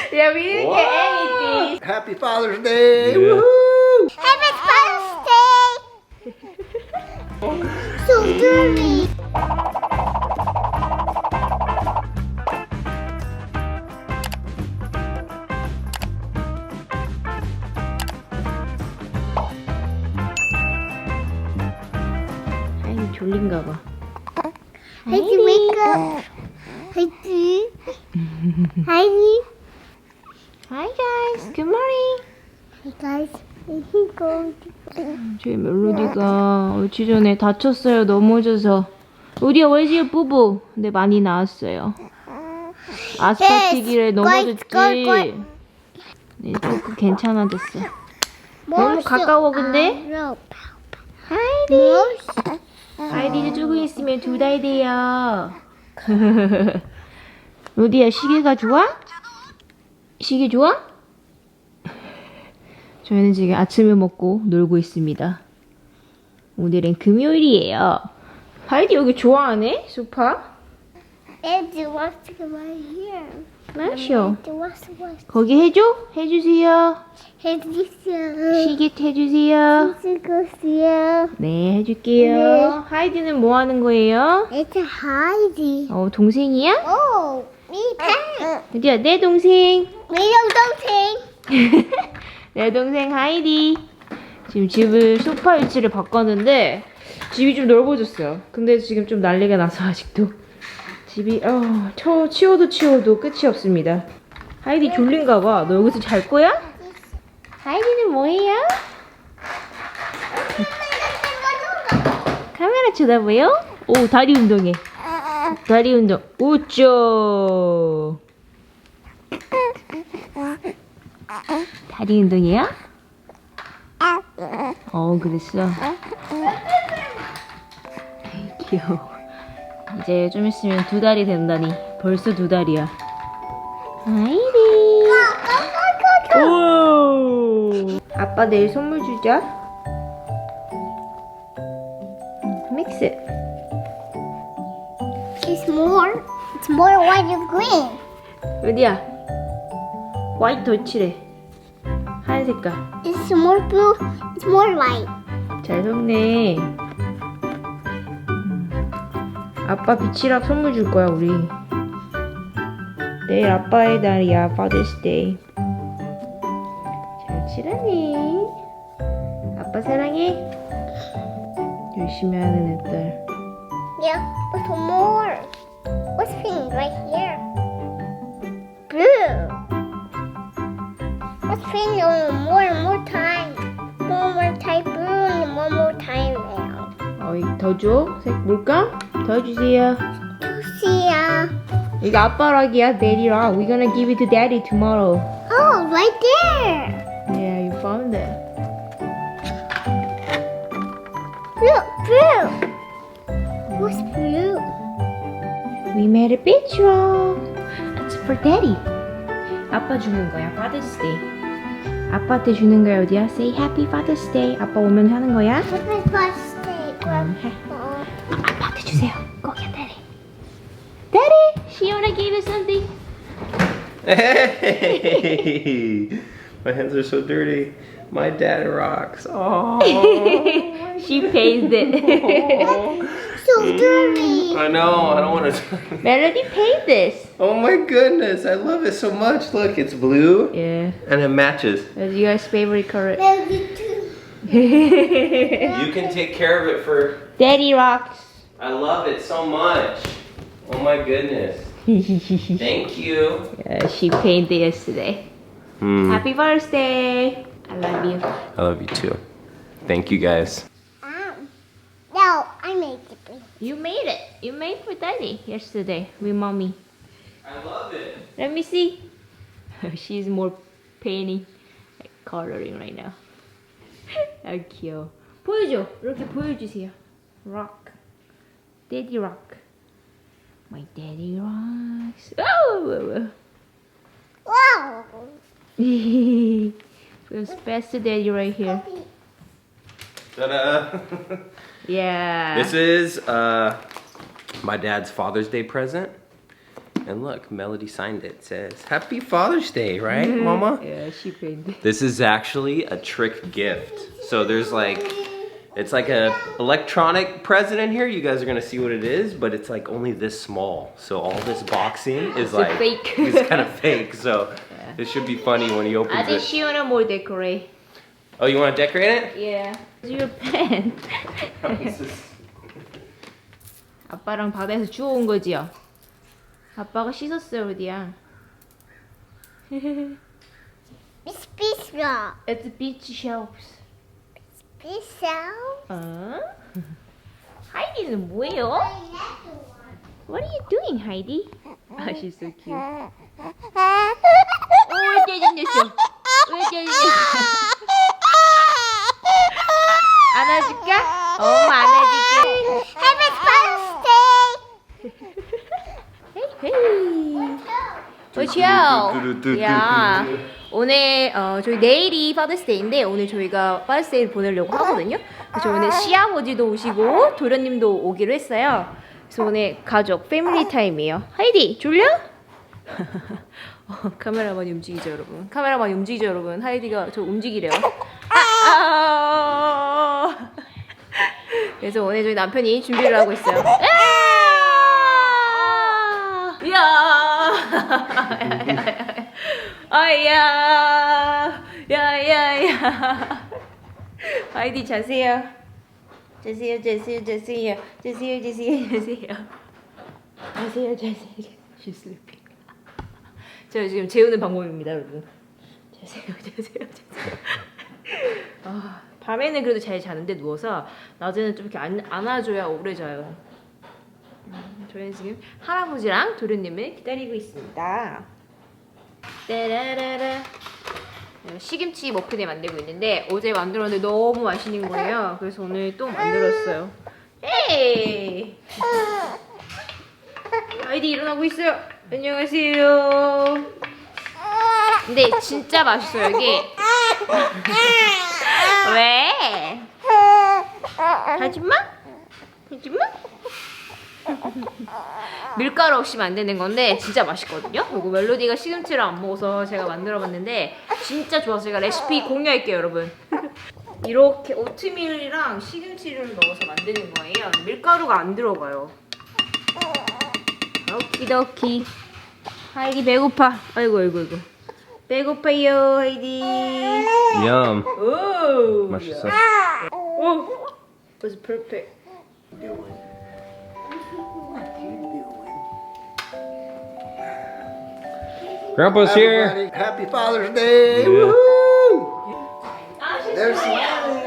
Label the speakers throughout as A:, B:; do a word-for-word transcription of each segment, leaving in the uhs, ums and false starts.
A: Yeah, we didn't get anything.
B: Happy Father's Day!
C: Yeah.
B: Woohoo!
D: Happy birthday! So dirty.
A: 하이 졸린가 봐.
D: Heidi, wake up. Heidi. Heidi.
A: Hi guys, good morning.
D: Hey guys, he going
A: 저희 멜로디가 얼추 전에 다쳤어요. 넘어져서. 우리야 왜지 부부? 근데 많이 나았어요. 아스팔트길에
D: Yes,
A: 넘어졌지.
D: 꼴, 꼴, 꼴.
A: 네, 조금 괜찮아졌어. 너무 가까워 근데. 하이디. 하이디도 조금 있으면 두 달 돼요. 로디야 시계가 좋아? 시계 좋아? 저희는 지금 아침을 먹고 놀고 있습니다. 오늘은 금요일이에요. 하이디 여기 좋아하네? 소파?
D: Andy wants to come right here.
A: 마셔.
D: Andy wants to watch.
A: 거기 해줘? 해주세요.
D: Heidi,
A: 시계 해주세요.
D: see.
A: 네, 해줄게요.
D: 네.
A: 하이디는 뭐 하는 거예요?
D: It's a Heidi.
A: 어, 동생이야?
D: Oh, me pen.
A: 어디야? 내 동생.
D: Me don't
A: 내 동생 하이디. 지금 집을 소파 위치를 바꿨는데 집이 좀 넓어졌어요. 근데 지금 좀 난리가 나서 아직도 집이 어, 쳐, 치워도 치워도 끝이 없습니다. 하이디 졸린가 봐. 너 여기서 잘 거야? 하이디는 뭐해요? 카메라 쳐다봐요? 오, 다리 운동해. 다리 운동. 우쭈. 다리 운동이야? 어, 그랬어. 귀여워. 이제 좀 있으면 두 달이 된다니. 벌써 두 달이야. 하이디. 오. 아빠 내일 선물 주자. Mix it.
D: It's more. It's more white and green.
A: 어디야? 화이트 더 칠해. 하얀 색깔.
D: It's more blue. It's more white.
A: 잘 섞네. 아빠 비치락 선물 줄 거야 우리. 내일 아빠의 날이야. Father's Day. 잘 칠하네. 아빠 사랑해. 열심히 하는 애들.
D: Yeah, but more. What's pink right here? Blue. What's pink on more and more time? One more time blue and one more time now.
A: 어이 더 줘? 색 물감? 더 주세요.
D: See
A: 이거 아빠락이야. 내리락. We're gonna give it to daddy tomorrow.
D: Oh, right there.
A: Yeah, you found it.
D: Look, blue. What's blue?
A: We made a picture. It's for daddy. 아빠 주는 거야. Father's Day. 아빠한테 주는 거야. 어디야? Say Happy Father's Day. 아빠 오면 하는 거야.
D: What's my birthday?
A: 음, 해.
D: Oh.
A: 아빠한테 주세요. 거기야, daddy. Daddy, she wanna give you something.
C: Hey! My hands are so dirty. My dad rocks. Oh.
A: She paid it.
D: So dirty.
C: I know. I don't want to.
A: Melody paid this.
C: Oh my goodness! I love it so much. Look, it's blue
A: Yeah,
C: and it matches.
A: that's your favorite color.
D: Melody too.
C: You can take care of it for.
A: Daddy rocks.
C: I love it so much. Oh my goodness. Thank you.
A: Yeah, she paid it yesterday.
C: Hmm.
A: Happy birthday. I love you.
C: I love you too. Thank you guys.
D: Um, no, I made it.
A: You made it. You made for daddy yesterday with mommy.
C: I love it.
A: Let me see. She's more painting, like coloring right now. 아 귀여워. 보여줘. 이렇게 보여주세요. Rock. Daddy rock. My daddy rocks. Oh!
D: Wow.
A: Feels best to daddy right here.
C: Ta-da!
A: Yeah.
C: This is uh, my dad's Father's Day present. And look, Melody signed it. It says, Happy Father's Day, right, Mama?
A: Yeah, she paid.
C: This is actually a trick gift. So there's like, it's like a electronic present in here. You guys are gonna see what it is, but it's like only this small. So all this boxing is
A: It's a
C: like,
A: fake.
C: it's kind of fake. So it should be funny when he opens
A: 아직
C: it.
A: 시원한 뭘 decorate.
C: Oh, you wanna decorate it?
A: Yeah. Your pen.
C: This is-
A: 아빠랑 바다에서 주워온 거지요? 아빠가 씻었어요, 우리야.
D: It's pizza.
A: It's beach shelves.
D: Pizza.
A: 어? 하이디는 뭐예요? What are you doing, Heidi? Ah, she's so cute. 오, 짜증냈어. 왜 짜증냈어? 안아줄까? 엄마 안아줄게.
D: Happy birthday.
A: 헤이 헤이. 그렇죠. 야, 오늘 어, 저희 내일이 파더스데이인데 오늘 저희가 파더스데이를 보내려고 하거든요. 그래서 오늘 시아버지도 오시고 도련님도 오기로 했어요. 그래서 오늘 가족 패밀리 타임이에요. 하이디 졸려? 어, 카메라만 움직이죠 여러분. 카메라만 움직이죠 여러분. 하이디가 저 움직이래요. 아, 아, 그래서 오늘 저희 남편이 준비를 하고 있어요. 야, 아야, 야야야. 하이디 자세요. 자세요, 자세요, 자세요, 자세요, 자세요, 자세요. 자세요, 자세요. She's sleeping. 제가 지금 재우는 방법입니다, 여러분. 자세요, 자세요, 자세요. 아, 밤에는 그래도 잘 자는데 누워서 낮에는 좀 이렇게 안, 안아줘야 오래 자요. 음, 저희는 지금 할아버지랑 도련님을 기다리고 있습니다. 따라라라. 시김치 머핀을 만들고 있는데 어제 만들었는데 너무 맛있는 거예요. 그래서 오늘 또 만들었어요. 에이! 아이디 일어나고 있어요. 안녕하세요. 근데 진짜 맛있어요 이게. 왜? 하지마? 하지마? 밀가루 없이 만드는 건데 진짜 맛있거든요. 그리고 멜로디가 시금치를 안 먹어서 제가 만들어봤는데 진짜 좋아서 제가 레시피 공유할게요 여러분. 이렇게 오트밀이랑 시금치를 넣어서 만드는 거예요. 밀가루가 안 들어가요. 오키도키. 하이디 배고파. 아이고 아이고 아이고. 배고파요 하이디.
C: Yum.
A: 오.
C: 맛있어.
A: 오. Was perfect.
C: Grandpa's here.
B: Everybody, happy Father's Day.
C: Yeah.
B: Woohoo! There's smiling.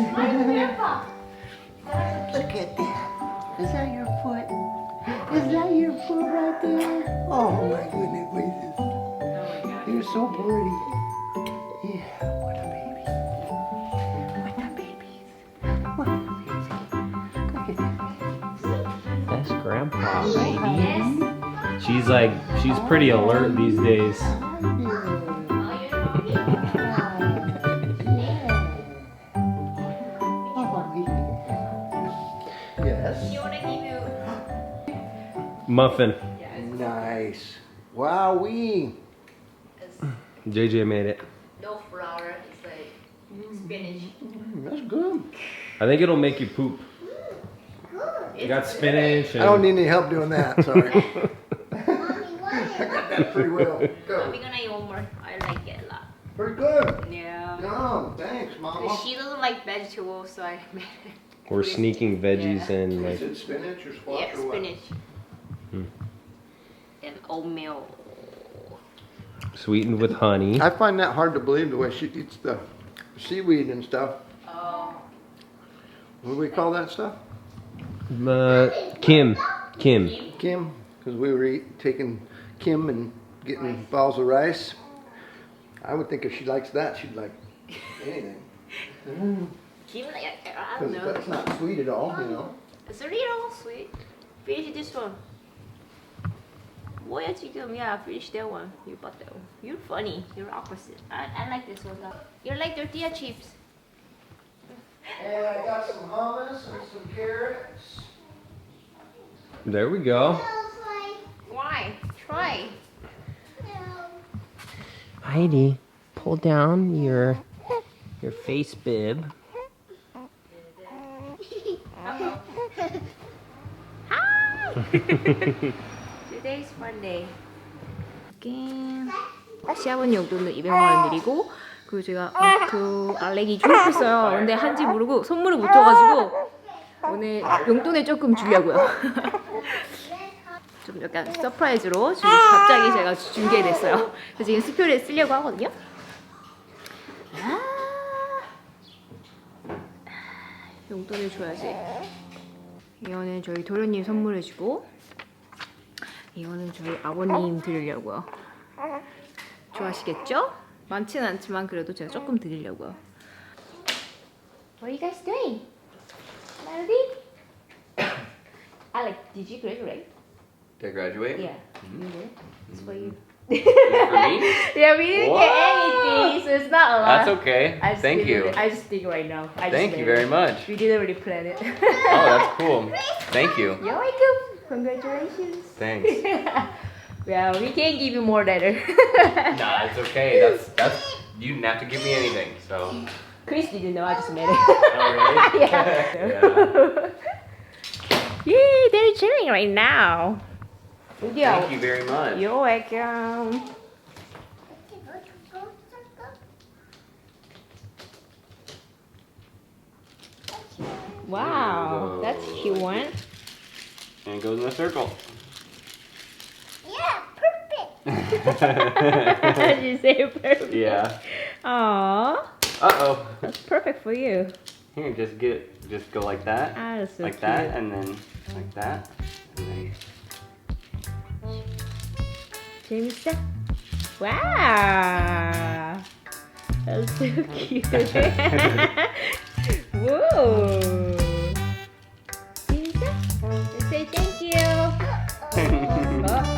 B: Look at that. Is that your foot? Is that your foot right there? Oh my goodness gracious. You're so pretty. Yeah, what a baby. What a babies. What a babies. Look at that.
C: That's Grandpa, baby. She's like, she's pretty alert these days.
B: Yes.
C: Muffin.
B: Nice. Wowee.
C: J J made it.
A: No flour. It's like spinach.
B: Mm, that's good.
C: I think it'll make you poop. You got spinach and
B: I don't need any help doing that. Sorry. I got that pretty well. Go.
A: I'm gonna eat one more. I like it a lot.
B: Pretty good.
A: Yeah.
B: Yum. Thanks, Mama.
A: She doesn't like vegetables, so I made it.
C: we're sneaking veggies
A: Yeah.
C: in
B: Is
C: like
B: it spinach or squash
A: Yeah,
B: or what?
A: spinach.
C: Hmm.
A: And oatmeal.
C: sweetened with honey.
B: I find that hard to believe the way she eats the seaweed and stuff.
A: Oh.
B: What do we call that stuff?
C: Uh, Kim. Kim.
B: Kim? Because we were eat, taking Kim and getting balls of rice. I would think if she likes that, she'd like anything.
A: Kim, like, I
B: Because
A: don't know.
B: that's not sweet at all, you know.
A: It's a little sweet. Finish this one. 뭐야 지금? Yeah, finish that one. You bought that one. You're funny. You're opposite. I, I like this one though. You're like tortilla chips.
B: And I got some hummus and some carrots.
C: There we go.
A: Why? try.
C: Heidi, pull down your your face bib.
A: Today's Monday. again. 시아버님 용돈은 이백만 원 드리고 그리고 제가 그 알렉이 졸업했어요. 근데 한지 모르고 선물을 못 줘가지고 오늘 용돈을 조금 주려고요. 좀 약간 서프라이즈로 지금 갑자기 제가 준비됐어요. 그래서 지금 스표를 쓰려고 하거든요. 아, 용돈을 줘야지. 이거는 저희 도련님 선물해주고 이거는 저희 아버님 드리려고요. 좋아하시겠죠? 많지는 않지만 그래도 제가 조금 드리려고요. What are you guys doing? Melody? Alex, did you graduate?
C: Did I graduate?
A: Yeah, you did. It's for you.
C: For me?
A: Yeah, we didn't
C: Wow.
A: get anything, so it's not a lot.
C: That's okay.
A: I just
C: Thank
A: did
C: you.
A: It, I just think right now. I just
C: Thank
A: made
C: you very
A: it.
C: much.
A: We didn't really plan it.
C: Oh, that's cool. Thank you.
A: You're welcome. Congratulations.
C: Thanks.
A: Yeah, we can't give you more later.
C: Nah, it's okay. That's that's you didn't have to give me anything. So.
A: Chris didn't know. I just made it.
C: Oh really?
A: Yeah.
C: Yeah.
A: Yay, they're cheering right now.
C: Thank you very much.
A: You're welcome. Wow,
C: There
A: that's
C: we go.
A: cute one.
C: And it goes in a circle.
D: Yeah, perfect.
A: Did you say perfect?
C: Yeah.
A: Aww,
C: Uh oh.
A: that's perfect for you.
C: Here, just get it. Just go like that.
A: Ah, that's so
C: like
A: cute.
C: that, and then like that, and then.
A: 재밌어? Wow, that's so cute. Whoa. 재밌어? Let's say thank you. 어?